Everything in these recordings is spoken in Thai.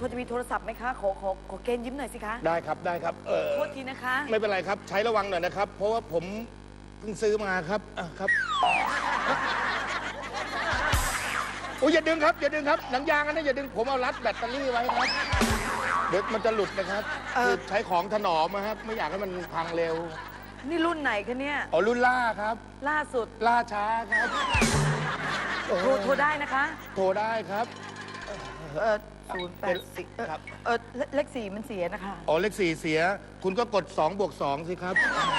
อจะมีโทรศัพท์ไหมคะขอเกณฑ์ยิ้มหน่อยสิคะได้ครับได้ครับโทษทีนะคะไม่เป็นไรครับใช้ระวังหน่อยนะครับ เพราะว่าผมเพิ่งซื้อมาครับครับโอ้ยอย่าดึงครับอย่าดึงครับหนังยางอันนั้นอย่าดึงผมเอารัดแบตเตอรี่ไว้ครับเดี๋ยวมันจะหลุดนะครับคือใช้ของถนอมนะครับไม่อยากให้มันพังเร็วนี่รุ่นไหนคะเนี่ยอ๋อรุ่นล่าครับล่าสุดล่าช้าครับโทรได้นะคะโทรได้ครับ 084 ครับเลข4มันเสียนะคะอ๋อเลข4เสียคุณก็กด2+2สิครับ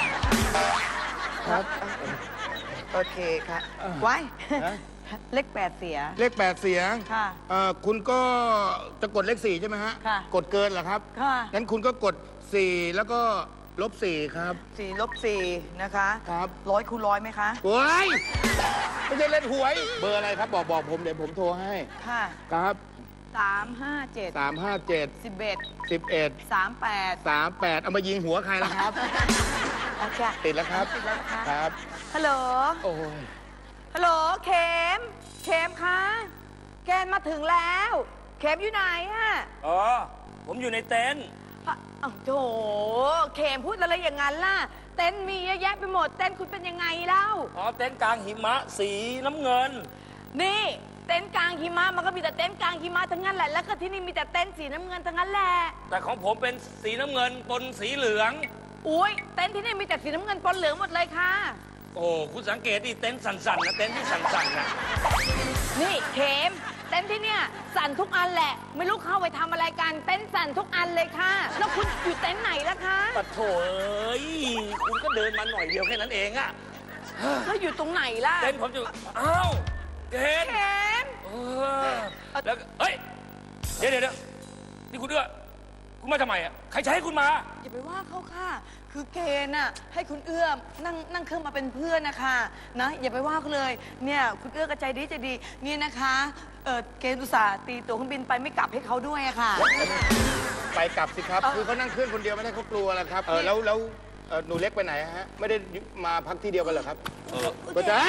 ครับโอเคค่ะไว้ฮะเลข8เสียเลข8เสียค่ะคุณก็จะกดเลข4ใช่ไหมฮะค่ะกดเกินเหรอครับค่ะงั้นคุณก็กด4แล้วก็-4ครับ 4 ลบ 4นะคะครับ 100 คูณ 100ไหมคะเฮ้ยไม่ใช่เล่นหวย เบอร์อะไรครับบอกผมเดี๋ยวผมโทรให้ค่ะครับ 357 357 11 11 38 38เอามายิงหัวใครล่ะครับโอเคติดแล้วครับติดแล้วนะคะครับฮัลโหลโอ้ยฮัลโหล เข็ม เข็มคะ แกนมาถึงแล้ว เข็มอยู่ไหนอะอ๋อ ผมอยู่ในเต็นท์อ้าวโถเข็มพูดอะไรอย่างนั้นล่ะ เต็นท์มีเยอะแยะไปหมด เต็นท์คุณเป็นยังไงเล่าอ๋อ เต็นท์กลางหิมะสีน้ำเงินนี่เต็นท์กลางหิมะมันก็มีแต่เต็นท์กลางหิมะทั้งนั้นแหละ แล้วก็ที่นี่มีแต่เต็นท์สีน้ำเงินทั้งนั้นแหละแต่ของผมเป็นสีน้ำเงินปนสีเหลืองอุ้ยเต็นท์ที่นี่มีแต่สีน้ำเงินปนเหลืองหมดเลยค่ะโอ้ คุณสังเกตดิเต็นท์สั่นๆนะเต็นท์ที่สั่นๆนะนี่เข็มเต็นท์ที่เนี่ยสั่นทุกอันแหละ ไม่รู้เข้าไปทำอะไรกัน เต็นท์สั่นทุกอันเลยค่ะ แล้วคุณอยู่เต็นท์ไหนล่ะคะปะโถเอ้ย คุณก็เดินมาหน่อยเดียวแค่นั้นเองอะแล้วอยู่ตรงไหนล่ะเต็นท์ผมจะอ้าวเต็นท์เข็มเออแล้วก็เฮ้ย เดี๋ยวนี่คุณเอื้อคุณมาทำไมอะใครจะให้คุณมาอย่าไปว่าเขาค่ะ คือเกณฑ์น่ะให้คุณเอื้อมนั่งเครื่องมาเป็นเพื่อนนะคะนะอย่าไปว่าเขาเลยเนี่ยคุณเอื้อก็ใจดีเนี่ยนะคะเกณฑ์อุตส่าห์ตีตั๋วเครื่องบินไปไม่กลับให้เขาด้วยอะค่ะไปกลับสิครับ คือเขานั่งเครื่องคนเดียวไม่ได้เขากลัวแล้วครับแล้วหนูเล็กไปไหนฮะไม่ได้มาพักที่เดียวกันเหรอครับก็จะ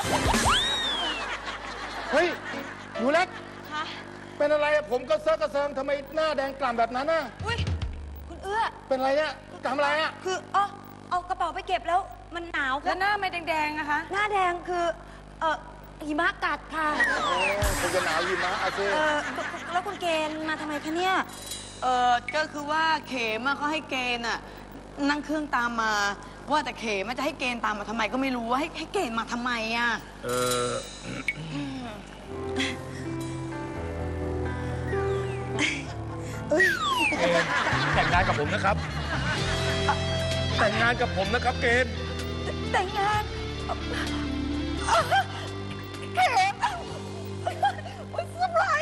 เฮ้ยหนูเล็กค่ะเป็นอะไรอะผมก็เซิร์ฟกระเซิงทำไมหน้าแดงกล่ำแบบนั้นน่ะอุ้ยคุณเอื้อเป็นอะไรเนี่ยทำอะไรอะคือเอากระเป๋าไปเก็บแล้วมันหนาวคแล้รับวหน้าไม่แดงๆนะคะหน้าแดงคือหิมะกัดค่ะคงจะหนาวอยู่นะอาเซ่แล้วคุณเกณฑ์มาทำไมคะเนี่ยก็คือว่าเขมอะเขาให้เกณฑ์อะนั่งเครื่องตามมา ว่าแต่เขมอะจะให้เกณฑ์ตามมาทำไมก็ไม่รู้ว่าให้เกณฑ์มาทำไมอะแต่งงานกับผมนะครับ แต่งงานกับผมนะครับเกณฑ์แต่งงานเขมโอ๊ยสบาย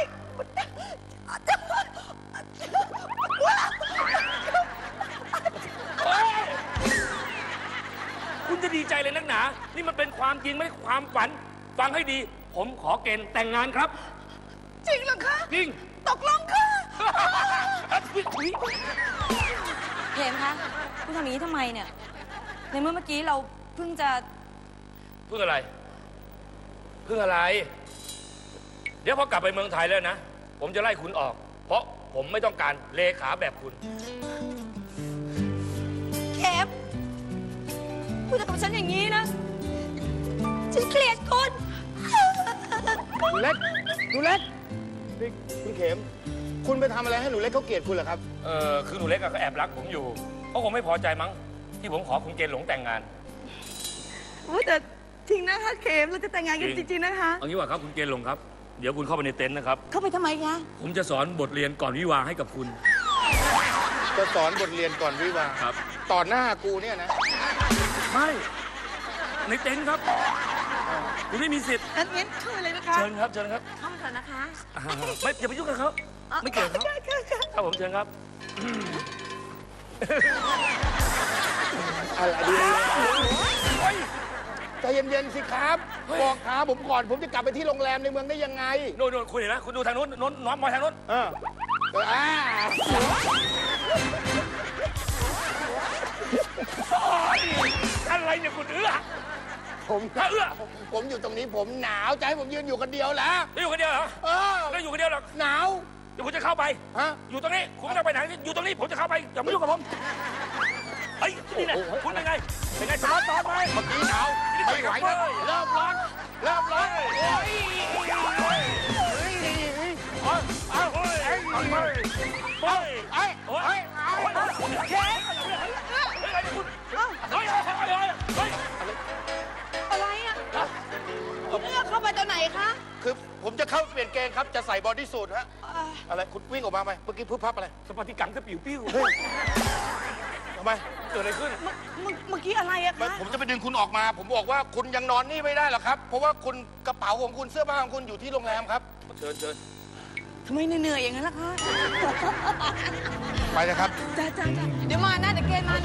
คุณจะดีใจเลยนักหนา นี่มันเป็นความจริงไม่ใช่ความฝัน ฟังให้ดี ผมขอเกณฑ์แต่งงานครับจริงเหรอคะจริงตกลงค่ะเข็มคะคุณทำอย่างนี้ทำไมเนี่ย ในเมื่อกี้เราเพิ่งจะเพื่ออะไร เพื่ออะไร เดี๋ยวพอกลับไปเมืองไทยแล้วนะ ผมจะไล่คุณออก เพราะผมไม่ต้องการเลขาแบบคุณเข็มคุณจะกับฉันอย่างนี้นะ ฉันเกลียดคุณหนูเล็กหนูเล็กนี่คุณเข็ม คุณไปทำอะไรให้หนูเล็กเขาเกลียดคุณเหรอครับคือหนูเล็กอะเขาแอบรักผมอยู่เขาคงไม่พอใจมั้ง ที่ผมขอคุณเกณฑ์หลงแต่งงานแต่จริงนะคะเขมเราจะแต่งงานกันจริงๆนะคะเอางี้ว่าครับคุณเกณฑ์หลงครับ เดี๋ยวคุณเข้าไปในเต็นท์นะครับเข้าไปทำไมคะผมจะสอนบทเรียนก่อนวิวาห์ให้กับคุณจะสอนบทเรียนก่อนวิวาห์ครับต่อหน้ากูเนี่ยนะไม่ ในเต็นท์ครับ คุณไม่มีสิทธิ์งั้นเข้าไปเลยนะคะเชิญครับ เชิญครับเข้ามาเถอะนะคะไม่อย่าไปยุ่งกับเขาไม่เกี่ยวกับเขาครับผมเชิญครับอะไรดีใจเย็นๆสิครับ บอกขาผมก่อนผมจะกลับไปที่โรงแรมในเมืองได้ยังไงโน่นคุณเห็นไหมคุณดูทางนู้นน้องมองทางนู้น อะไรเนี่ยคุณเอื้อผมถ้าเอื้อผมอยู่ตรงนี้ผมหนาวจะให้ผมยืนอยู่คนเดียวแล้วได้อยู่คนเดียวเหรอเออได้อยู่คนเดียวหรอกหนาวดี๋ยวผมจะเข้าไปฮะอยู่ตรงนี้คุณไม่ต้องไปไหนอยู่ตรงนี้ผมจะเข้าไปอย่ามายุ่งกับผมเฮ้ยนี่นะคุณเป็นไงสล็อตตอนไหมเมื่อกี้หนาวไม่ไหวแล้วเริ่มร้อนโอ้ยอะไรอ่ะคุณเอื้อเข้าไปตอนไหนคะคือผมจะเข้าเปลี่ยนเกงครับจะใส่บอดี้สูทฮะอะไรคุณวิ่งออกมาไหมเมื่อกี้พึบพับอะไรสปาติกังก็ปิ้วทำไมเกิดอะไรขึ้นเมื่อกี้อะไรอะไม่คะผมจะไปดึงคุณออกมา ผมบอกว่าคุณยังนอนนี่ไม่ได้หรอกครับ เพราะว่าคุณกระเป๋าของคุณเสื้อผ้าของคุณอยู่ที่โรงแรมครับเชิญทำไมเหนื่อยๆอย่างนั้นล่ะคะไปเลยครับจ้าเดี๋ยวมานะเดี๋ยวเกณฑ์มานะ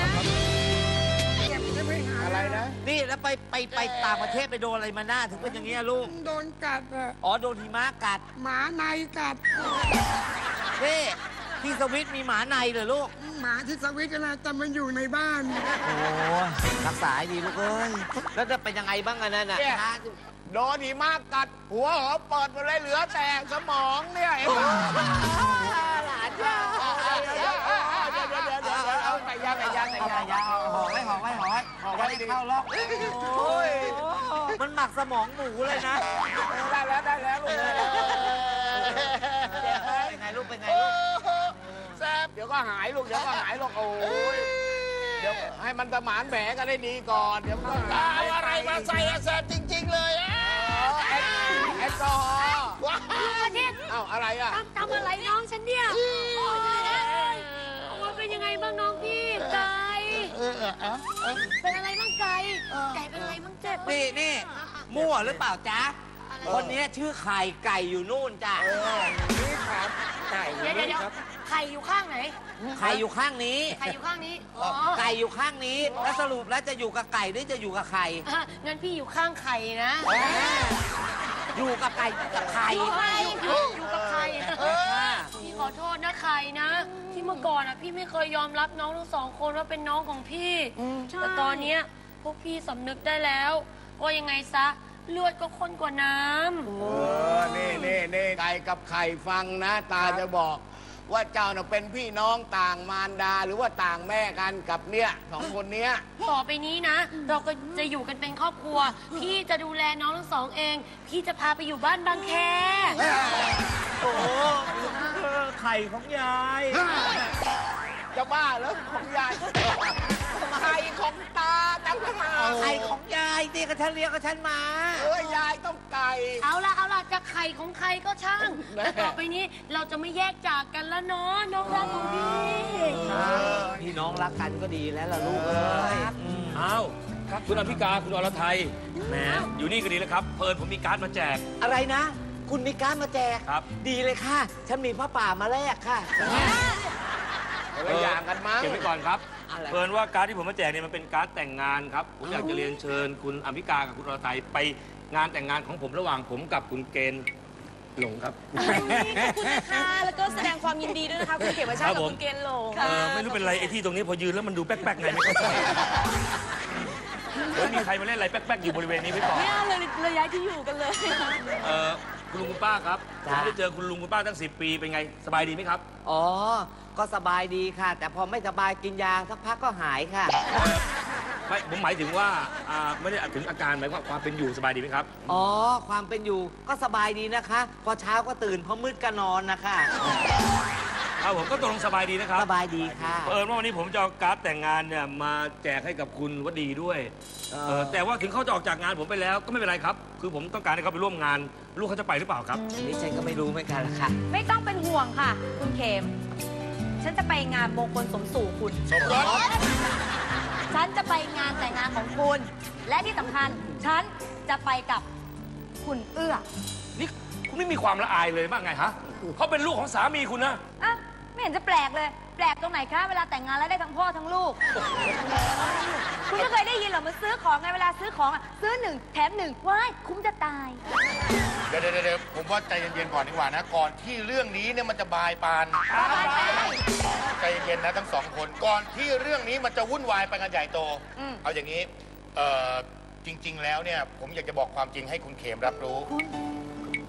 อะไรนะนี่แล้วไปต่างประเทศไปโดนอะไรมาหน้าถึงเป็นอย่างเงี้ยลูกโดนกัดอะอ๋อโดนหิมะกัดหมาในกัดนี่ที่สวิตมีหมาในเหรอลูกหมาที่สวิตช์นะแต่มันอยู่ในบ้านโอ้รักษาให้ดีลูกเอ้ย แล้วจะเป็นยังไงบ้างอะนั่นน่ะเนี่ย โดนหิมะกัด หัวหอเปิดหมดเลยเหลือแต่สมองเนี่ยเห็นไหมหลานจ้าเดี๋ยวเอาไก่ย่างห่อไว้ห่อไว้เข้าล็อกโอ้ยมันหมักสมองหมูเลยนะได้แล้วลูกเป็นไงลูกเป็นไงลูกแซ่บเดี๋ยวก็หายลูกโอ้ยเดี๋ยวให้มันสมานแผลกันได้ดีก่อนเดี๋ยวก็เอาอะไรมาใส่แซ่บจริงๆเลยแอลกอฮอล์ว้าวเอ้าอะไรอ่ะทำอะไรน้องฉันเนี่ยโอ้ยตายแล้วมันเป็นยังไงบ้างน้องพี่ไก่เป็นอะไรบ้างไก่เป็นอะไรบ้างเจ็บนี่มั่วหรือเปล่าจ๊ะ คนนี้ชื่อไข่ไก่อยู่นู่นจ้ะนี่ครับไก่เดี๋ยวไข่อยู่ข้างไหนไข่อยู่ข้างนี้ไข่อยู่ข้างนี้อ๋อไก่อยู่ข้างนี้ แล้วสรุปแล้วจะอยู่กับไก่หรือจะอยู่กับไข่งั้นพี่อยู่ข้างไข่นะอยู่กับไก่กับไข่อยู่กับไข่พี่ขอโทษนะไข่นะ ที่เมื่อก่อนอ่ะพี่ไม่เคยยอมรับน้องทั้งสองคนว่าเป็นน้องของพี่แต่ตอนเนี้ยพวกพี่สำนึกได้แล้วว่ายังไงซะเลือดก็ข้นกว่าน้ำนี่ไก่กับไข่ฟังนะ ตาจะบอกว่าเจ้าน่ะเป็นพี่น้องต่างมารดาหรือว่าต่างแม่กันกับเนี่ยสองคนเนี้ยต่อไปนี้นะ เราก็จะอยู่กันเป็นครอบครัว พี่จะดูแลน้องทั้งสองเอง พี่จะพาไปอยู่บ้านบางแคโอ้ไข่ของยายจะบ้าแล้วของยายไข่ของตาตั้งหากไข่ของยายตีกับฉันเลี้ยงกับฉันมายายต้องไก่เอาล่ะจะไข่ของใครก็ช่างแต่ต่อไปนี้เราจะไม่แยกจากกันแล้วเนาะน้องรักของพี่พี่น้องรักกันก็ดีแล้วล่ะลูกเอ้ยอ้าวคุณอภิกาคุณอรไทยแหมอยู่นี่ก็ดีแล้วครับเพิ่นผมมีการ์ดมาแจกอะไรนะ คุณมีการดมาแจกครับดีเลยค่ะ ฉันมีผ้าป่ามาแลกค่ะอย่างกันมั้งเก็บไว้ก่อนครับอะไรเพิ่นว่าการ์ดที่ผมมาแจกเนี่ยมันเป็นการ์ดแต่งงานครับผมอยากจะเรียนเชิญคุณอภิกากับคุณอรไทยไปงานแต่งงานของผมระหว่างผมกับคุณเกณฑ์หลงครับขอบคุณนะคะแล้วก็แสดงความยินดีด้วยนะคะคุณเขมชาติกับคุณเกณฑ์หลงไม่รู้เป็นไรไอ้ที่ตรงนี้พอยืนแล้วมันดูแป๊กๆไงไม่เข้าใจเดี๋ยวมีใครมาเล่นอะไรแป๊กๆอยู่บริเวณนี้ไว้ก่อนไม่เอาเลยเลยย้ายที่อยู่กันเลยคุณลุงคุณป้าครับผมจ้ะไม่ได้เจอคุณลุงคุณป้าตั้ง10 ปีเป็นไงสบายดีไหมครับอ๋อ ก็สบายดีค่ะ แต่พอไม่สบายกินยาสักพักก็หายค่ะไม่ผมหมายถึงว่าไม่ได้ถึงอาการหมายความเป็นอยู่สบายดีไหมครับอ๋อ ความเป็นอยู่ก็สบายดีนะคะ พอเช้าก็ตื่นพอมืดก็นอนนะคะครับผมก็ตกลงสบายดีนะครับสบายดีค่ะว่าวันนี้ผมจะเอาการ์ดแต่งงานเนี่ยมาแจกให้กับคุณวดีด้วยแต่ว่าถึงเขาจะออกจากงานผมไปแล้วก็ไม่เป็นไรครับ คือผมต้องการให้เขาไปร่วมงาน ลูกเขาจะไปหรือเปล่าครับอันนี้ฉันก็ไม่รู้เหมือนกันละค่ะไม่ต้องเป็นห่วงค่ะ คุณเขม ฉันจะไปงานมงคลสมสู่คุณสมรสฉันจะไปงานแต่งงานของคุณ และที่สำคัญ ฉันจะไปกับคุณเอื้อนี่คุณไม่มีความละอายเลยบ้างไงฮะเขาเป็นลูกของสามีคุณนะอ่ะไม่เห็นจะแปลกเลย แปลกตรงไหนคะ เวลาแต่งงานแล้วได้ทั้งพ่อทั้งลูก คุณไม่เคยได้ยินเหรอมันซื้อของไงเวลาซื้อของอ่ะซื้อ1 แถม 1ว้ายคุ้มจะตายเดี๋ยวผมว่าใจเย็นๆก่อนดีกว่านะ ก่อนที่เรื่องนี้เนี่ยมันจะบายปานใจเย็นๆนะทั้งสองคน ก่อนที่เรื่องนี้มันจะวุ่นวายไปกันใหญ่โต เอาอย่างนี้จริง ๆ แล้วเนี่ยผมอยากจะบอกความจริงให้คุณเขมรับรู้จะ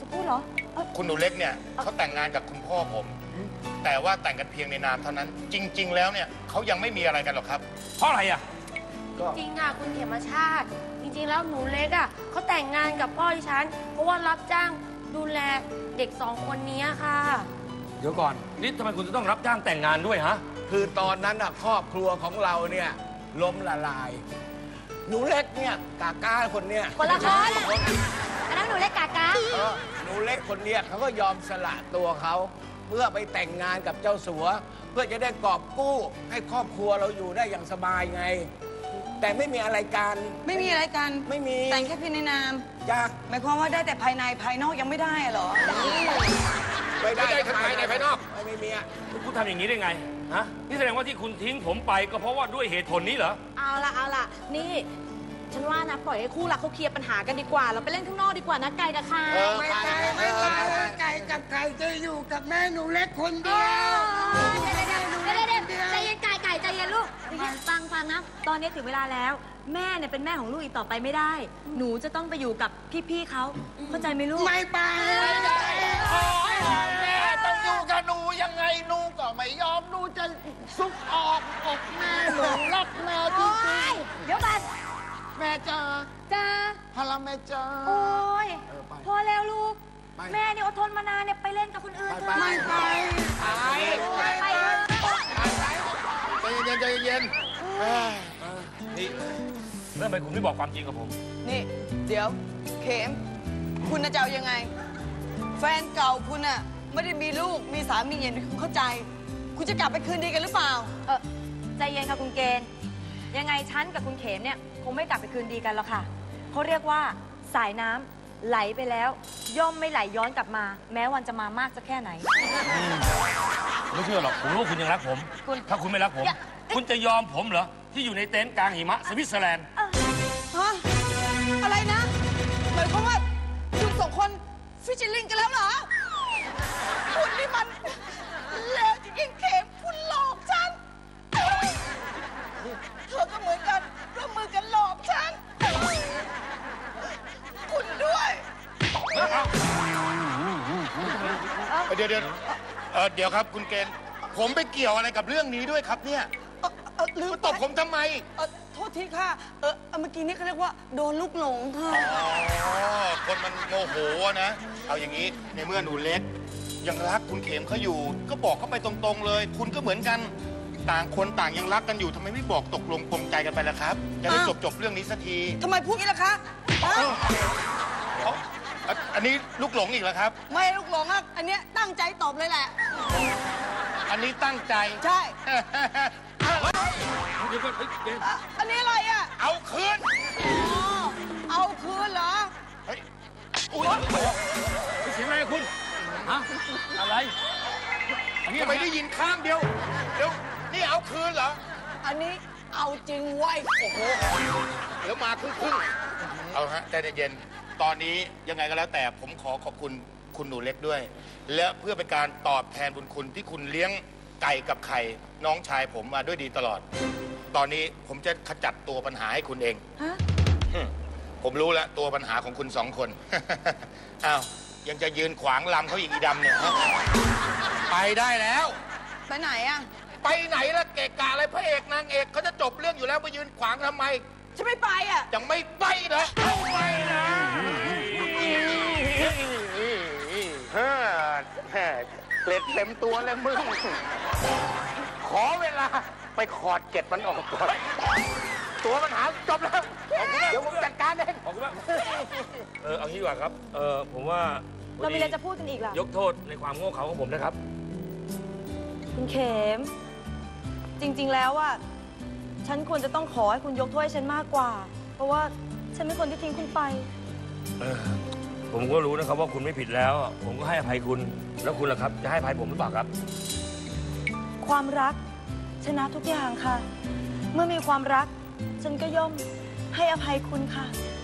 จะพูดเหรอคุณหนูเล็กเนี่ยเขาแต่งงานกับคุณพ่อผม แต่ว่าแต่งกันเพียงในนามเท่านั้น จริง ๆ แล้วเนี่ยเขายังไม่มีอะไรกันหรอกครับเพราะอะไรอ่ะจริงอ่ะคุณเขมชาติ จริงๆแล้วหนูเล็กอ่ะเขาแต่งงานกับพ่อดิฉัน เพราะว่ารับจ้างดูแลเด็ก2 คนนี้ค่ะเดี๋ยวก่อน นี่ทำไมคุณจะต้องรับจ้างแต่งงานด้วยฮะคือตอนนั้นน่ะครอบครัวของเราเนี่ยล้มละลาย หนูเล็กเนี่ยกาก้าคนเนี่ยคนละคน อันนั้นหนูเล็กกากาหนูเล็กคนเนี่ยเขาก็ยอมสละตัวเขาเพื่อไปแต่งงานกับเจ้าสัว เพื่อจะได้กอบกู้ให้ครอบครัวเราอยู่ได้อย่างสบายไง แต่ไม่มีอะไรกันไม่มีอะไรกันไม่มีแต่งแค่เพียงในนามจ้าหมายความว่าได้แต่ภายในภายนอกยังไม่ได้อะเหรอไม่ได้ไม่ได้ทั้งภายในภายนอกไม่มีอะคุณทำอย่างนี้ได้ไง ฮะ นี่แสดงว่าที่คุณทิ้งผมไปก็เพราะว่าด้วยเหตุผลนี้เหรอเอาล่ะ นี่ ฉันว่านะ ปล่อยให้คู่รักเขาเคลียร์ปัญหากันดีกว่า เราไปเล่นข้างนอกดีกว่านะไก่กับใครไม่ไปไม่ไปไก่กับไก่จะอยู่กับแม่หนูเล็กคนเดียวใจเย็นไก่ใจเย็นลูกฟังนะ ตอนนี้ถึงเวลาแล้ว แม่เนี่ยเป็นแม่ของลูกอีกต่อไปไม่ได้ หนูจะต้องไปอยู่กับพี่ๆเขาเข้าใจไหมลูกไม่ไปแม่ต้องอยู่กับหนูยังไงหนูก็ไม่ยอมหนูจะซุกออกอกแม่หนูรักแม่จริงเดี๋ยวก่อนๆแม่จ๋าจ้าพลังแม่จ๋าโอ้ยไปพอแล้วลูกไปแม่เนี่ยอดทนมานานเนี่ยไปเล่นกับคนอื่นเถอะไม่ไปไปเถอะใจเย็นนี่เรื่องไปคุณไม่บอกความจริงกับผมนี่ เดี๋ยว เข็ม คุณน่ะจะเอายังไง แฟนเก่าคุณน่ะไม่ได้มีลูกมีสามีอย่างที่คุณเข้าใจ คุณจะกลับไปคืนดีกันหรือเปล่าใจเย็นค่ะคุณเกณฑ์ ยังไงฉันกับคุณเขมเนี่ยคงไม่กลับไปคืนดีกันหรอกค่ะเขาเรียกว่าสายน้ำไหลไปแล้ว ย่อมไม่ไหลย้อนกลับมา แม้วันจะมามากจะแค่ไหนไม่เชื่อหรอก ผมรู้ว่าคุณยังรักผมคุณถ้าคุณไม่รักผมอย่าคุณจะยอมผมเหรอ ที่อยู่ในเต็นท์กลางหิมะสวิตเซอร์แลนด์ฮะ อะไรนะ หมายความว่าคุณสองคนฟิชเชอร์ลิงกันแล้วเหรอ คุณนี่มันเลวจริงๆเข็มคุณหลอกฉัน เธอก็เหมือนกันร่วมมือกันหลอกฉัน คุณด้วยเดี๋ยวเดี๋ยวครับคุณเกณฑ์ผมไปเกี่ยวอะไรกับเรื่องนี้ด้วยครับเนี่ยลืมมาตบผมทำไมโทษทีค่ะ เมื่อกี้นี่เขาเรียกว่าโดนลูกหลงค่ะอ๋อ คนมันโมโหนะ เอาอย่างนี้ในเมื่อหนูเล็ก ยังรักคุณเข็มเขาอยู่ ก็บอกเขาไปตรงๆเลย คุณก็เหมือนกัน ต่างคนต่างยังรักกันอยู่ทำไมไม่บอกตกลงปลงใจกันไปล่ะครับ จะได้จบเรื่องนี้สักทีทำไมพูดงี้ล่ะคะฮะอันนี้ลูกหลงอีกแล้วครับไม่ลูกหลงอ่ะ อันเนี้ยตั้งใจตอบเลยแหละอันนี้ตั้งใจใช่เดี๋ยวก่อนเฮ้ยเกณฑ์อันนี้อะไรอ่ะเอาคืนอ๋อ เอาคืนเหรอเฮ้ยอุ๊ยเสียงอะไรคุณ ฮะ อะไร อันนี้ทำไมได้ยินข้างเดียว เดี๋ยว นี่เอาคืนเหรออันนี้เอาจริงไว้ยโอ้โห เดี๋ยวมาครึ่งๆเอาฮะใจเย็นๆตอนนี้ยังไงก็แล้วแต่ผมขอขอบคุณคุณหนูเล็กด้วย และเพื่อเป็นการตอบแทนบุญคุณที่คุณเลี้ยงไก่กับไข่น้องชายผมมาด้วยดีตลอด ตอนนี้ผมจะขจัดตัวปัญหาให้คุณเองฮะผมรู้แล้วตัวปัญหาของคุณสองคน อ้าวยังจะยืนขวางลำเขาอีกอีดำเนี่ยฮะไปได้แล้วไปไหนอ่ะไปไหนล่ะเกะกะอะไรพระเอกนางเอกเขาจะจบเรื่องอยู่แล้วไปยืนขวางทำไมฉันไม่ไปอ่ะยังไม่ไปนะเอาไปนะเกล็ดเต็มตัวเลยมึง ขอเวลาไปขอดเกล็ดมันออกก่อน ตัวปัญหาจบแล้ว เดี๋ยวผมจัดการเองขอบคุณมากเอางี้ดีกว่าครับ ผมว่าเรามีอะไรจะพูดกันอีกล่ะยกโทษในความโง่เขลาของผมนะครับคุณเขม จริง ๆ แล้วอ่ะ ฉันควรจะต้องขอให้คุณยกโทษให้ฉันมากกว่า เพราะว่าฉันเป็นคนที่ทิ้งคุณไปผมก็รู้นะครับว่าคุณไม่ผิดแล้ว ผมก็ให้อภัยคุณ แล้วคุณล่ะครับ จะให้อภัยผมหรือเปล่าครับความรักชนะทุกอย่างค่ะ เมื่อมีความรัก ฉันก็ย่อมให้อภัยคุณค่ะ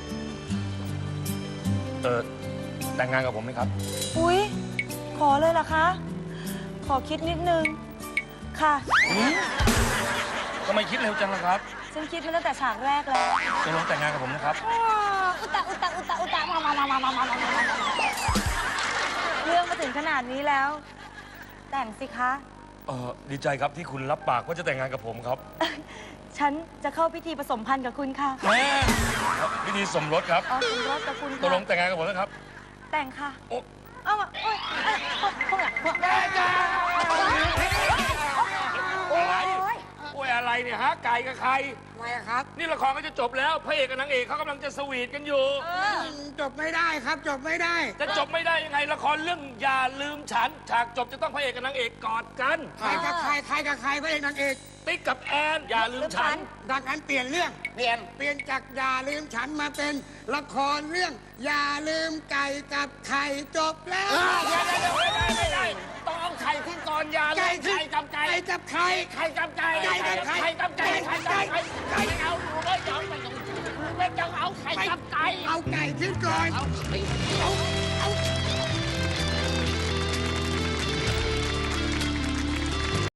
แต่งงานกับผมไหมครับอุ๊ย ขอเลยเหรอคะ ขอคิดนิดนึง ค่ะทำไมคิดเร็วจังล่ะครับฉันคิดมาตั้งแต่ฉากแรกแล้วจะลงแต่งงานกับผมนะครับอุตะอุตะอุตะอุตะมาขนาดนี้แล้ว แต่งสิคะดีใจครับที่คุณรับปากว่าจะแต่งงานกับผมครับฉันจะเข้าพิธีผสมพันธ์กับคุณค่ะพิธีสมรสครับอ๋อสมรสกับคุณตกลงค่ะแต่งงานกับผมนะครับแต่งค่ะโอ้เอามาโอ๊ยพวกหลังพวกอะไรโอ้ยอะไรเนี่ยฮะ ไก่กับใครทำไมอะครับนี่ละครก็จะจบแล้ว พระเอกกับนางเอกเขากำลังจะสวีทกันอยู่จบไม่ได้ครับ จบไม่ได้จะจบไม่ได้ยังไงละครเรื่องอย่าลืมฉัน ฉากจบจะต้องพระเอกกับนางเอกกอดกันใครกับใคร ใครกับใครพระเอกนางเอกติ๊กกับแอนอย่าลืมฉันดังนั้นเปลี่ยนเรื่องเปลี่ยนเปลี่ยนจากอย่าลืมฉันมาเป็นละครเรื่อง อย่าลืมไก่กับไข่จบแล้วเดี๋ยวไม่ได้ต้องเอาไข่ขึ้นก่อนอย่าเลยไข่กับไก่ไก่กับไข่ไข่กับไก่ไก่กับไข่ไข่กับไก่ไข่กับไก่ไก่เอาหนูเลยไม่ต้องเอาไข่กับไก่เอาไก่ขึ้นก่อนเอาไข่